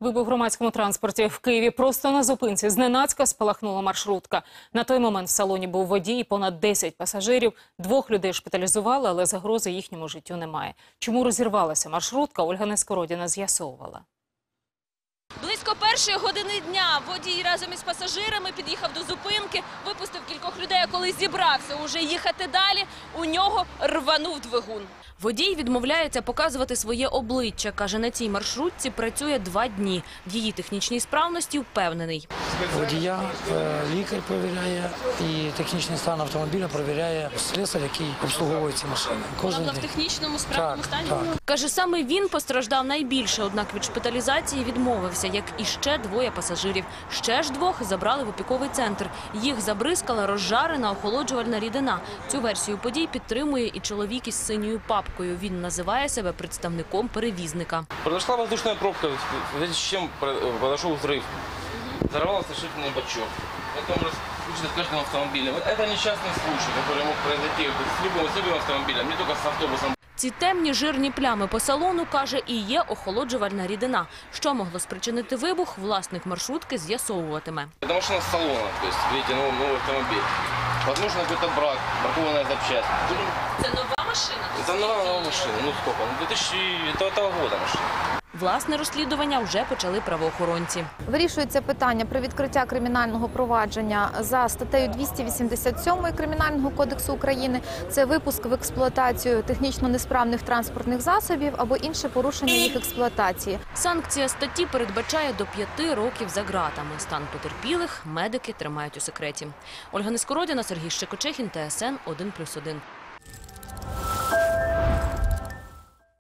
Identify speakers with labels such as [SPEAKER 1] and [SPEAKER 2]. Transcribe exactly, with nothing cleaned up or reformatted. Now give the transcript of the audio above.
[SPEAKER 1] Вибух в громадському транспорті в Києві просто на зупинці. Зненацька спалахнула маршрутка. На той момент в салоні був водій і понад десять пасажирів. Двох людей шпиталізували, але загрози їхньому життю немає. Чому розірвалася маршрутка, Ольга Нескородіна з'ясовувала.
[SPEAKER 2] Близько першої години дня водій разом із пасажирами під'їхав до зупинки, випустив кількох людей, а коли зібрався уже їхати далі, у нього рванув двигун. Водій відмовляється показувати своє обличчя. Каже, на цій маршрутці працює два дні. В її технічній справності впевнений.
[SPEAKER 3] Водія лікар перевіряє і технічний стан автомобіля перевіряє слесар, який обслуговує ці машини. Кожен
[SPEAKER 2] Вона в технічному справному стані?
[SPEAKER 3] Так.
[SPEAKER 2] Каже, саме він постраждав найбільше, однак від шпиталізації відмовився, як і ще двоє пасажирів. Ще ж двох забрали в опіковий центр. Їх забризкала розжарена охолоджувальна рідина. Цю версію подій підтримує і чоловік із синьою папкою. Він називає себе представником перевізника.
[SPEAKER 4] Произошла воздушная пробка, в связи с чем произошел взрыв. Взорвался решительный бачок. Это может случиться в каждом автомобиле. Это несчастный случай, который мог произойти с любым, с любым автомобилем, не только с автобусом.
[SPEAKER 2] Ці темні жирні плями по салону, каже, і є охолоджувальна рідина. Що могло спричинити вибух, власник маршрутки з'ясовуватиме.
[SPEAKER 4] Это машина с салона, то есть, видите, новый, новый автомобиль. Возможно, какой-то брак, бракованная запчасть.
[SPEAKER 2] Це нова машина?
[SPEAKER 4] Это новая, новая машина, ну сколько? Ну, две тысячи девятого года машина.
[SPEAKER 2] Власне розслідування вже почали правоохоронці.
[SPEAKER 5] Вирішується питання про відкриття кримінального провадження за статтею двісті вісімдесят сім Кримінального кодексу України. Це випуск в експлуатацію технічно несправних транспортних засобів або інше порушення їх експлуатації.
[SPEAKER 2] Санкція статті передбачає до п'яти років за ґратами. Стан потерпілих медики тримають у секреті. Ольга Нескородіна, Сергій Щекочехін, Т С Н один плюс один.